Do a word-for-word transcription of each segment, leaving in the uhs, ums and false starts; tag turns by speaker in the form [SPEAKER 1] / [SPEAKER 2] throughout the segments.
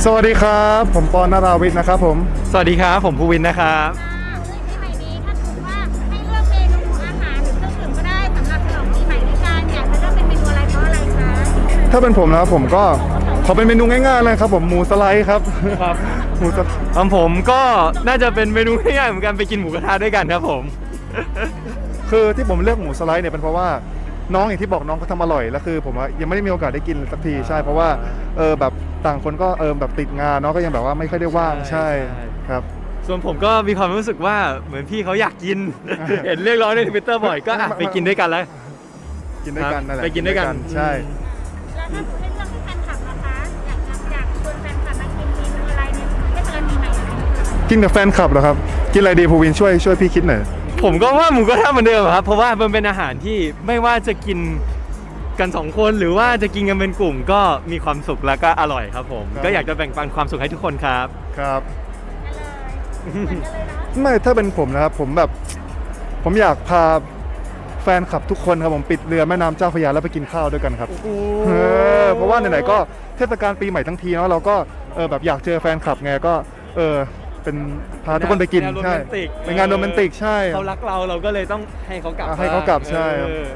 [SPEAKER 1] วัสดีครับผมปอนนราวิทย์นะครับผม
[SPEAKER 2] สวัสดีครับผมภูวินนะครับ
[SPEAKER 3] ปีใหม่นี้ถ้าสมมติว่าให้เลือกเมนูอาหารหรือเครื่องดื่มก็ได้สำหรับฉลองปีใหม่ด้วยกันอยากจะเลือกเป็นเมนูอะไรเพราะอะไรคะ
[SPEAKER 1] ถ้าเป็นผมนะครับผมก็ขอเป็นเมนูง่ายๆเลยครับผมหมูสไลด์ครับ
[SPEAKER 2] ครับ
[SPEAKER 1] หมูสไลด์
[SPEAKER 2] ของผมก็น่าจะเป็นเมนูง่ายๆเหมือนกันไปกินหมูกระทะด้วยกันครับผม
[SPEAKER 1] คือที่ผมเลือกหมูสไลด์เนี่ยเป็นเพราะว่าน้องอย่างที่บอกน้องเขาทำอร่อยแล้วคือผมยังไม่ได้มีโอกาสได้กินสักทีใช่เพราะว่าเออแบบต่างคนก็เออแบบติดงานเนาะก็ยังแบบว่าไม่ค่อยได้ว่างใช่ครับ
[SPEAKER 2] ส่วนผมก็มีความรู้สึกว่าเหมือนพี่เขาอยากกิน เห็นเรียกร้องในทวิตเตอร์บ่อยก็อ่ะไปกินด้วยกันแล้ว
[SPEAKER 1] กินด้วยกันนั่นแหละ
[SPEAKER 2] ไปกินด้วยกัน
[SPEAKER 1] ใช่
[SPEAKER 3] แล้วถ้าสมมติให้เลือกให้แฟนคลับนะคะอยากจะอยากชวนแฟนคลับมากินเมนูอะไรเนี่ยเทศกาลปีใหม่ไหม
[SPEAKER 1] กินกับแฟนคลับเหรอครับกินอะไรดีภูวินช่วยช่วยพี่คิดหน่อย
[SPEAKER 2] ผมก็ว่าหมูกระทะเหมือนเดิมครับเพราะว่ามันเป็นอาหารที่ไม่ว่าจะกินกันสองคนหรือว่าจะกินกันเป็นกลุ่มก็มีความสุขแล้วก็อร่อยครับผมก็อยากจะแบ่งปันความสุขให้ทุกคนครับ
[SPEAKER 1] ครับ
[SPEAKER 3] เหมือนกันเลยเนาะ
[SPEAKER 1] ไม่ถ้าเป็นผมนะครับผมแบบผมอยากพาแฟนคลับทุกคนครับผมปิดเรือแม่น้ำเจ้าพระยาแล้วไปกินข้าวด้วยกันครับเออเพราะว่าไหนๆก็เทศกาลปีใหม่ทั้งทีเนาะเราก็เออแบบอยากเจอแฟนคลับไงก็เออเป็นพาทุกคนไปกินใช่เป็นงานโรแมนติกใช่
[SPEAKER 2] เขารักเราเราก็เลยต้องให้เขากลับ
[SPEAKER 1] ให้เขากลับใช่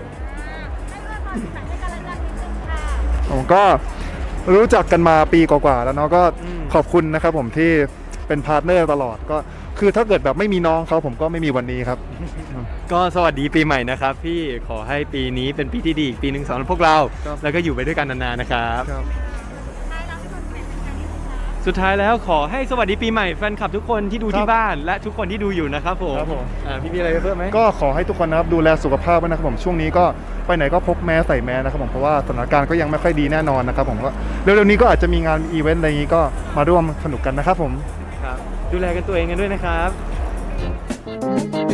[SPEAKER 1] ผมก็รู้จักกันมาปีกว่าๆแล้วเนาะก็ขอบคุณนะครับผมที่เป็นพาร์ทเนอร์ตลอดก็คือถ้าเกิดแบบไม่มีน้องเขาผมก็ไม่มีวันนี้ครับ
[SPEAKER 2] ก็สวัสดีปีใหม่นะครับพี่ขอให้ปีนี้เป็นปีที่ดีอีกปีหนึ่งสำหรับพวกเราแล้วก็อยู่ไปด้วยกันนานๆนะครับสุดท้ายแล้วขอให้สวัสดีปีใหม่แฟนคลับทุกคนที่ดูที่บ้านและทุกคนที่ดูอยู่นะครับผมพี่มีอะไรเพิ่มไหม
[SPEAKER 1] ก็ขอให้ทุกคนนะครับดูแลสุขภาพไว้นะครับผมช่วงนี้ก็ไปไหนก็พกแมสใส่แมสนะครับผมเพราะว่าสถานการณ์ก็ยังไม่ค่อยดีแน่นอนนะครับผมก็เร็วๆนี้ก็อาจจะมีงานอีเวนต์อะไรอย่างนี้ก็มาร่วมสนุกกันนะครับผม
[SPEAKER 2] ครับดูแลกันตัวเองกันด้วยนะครับ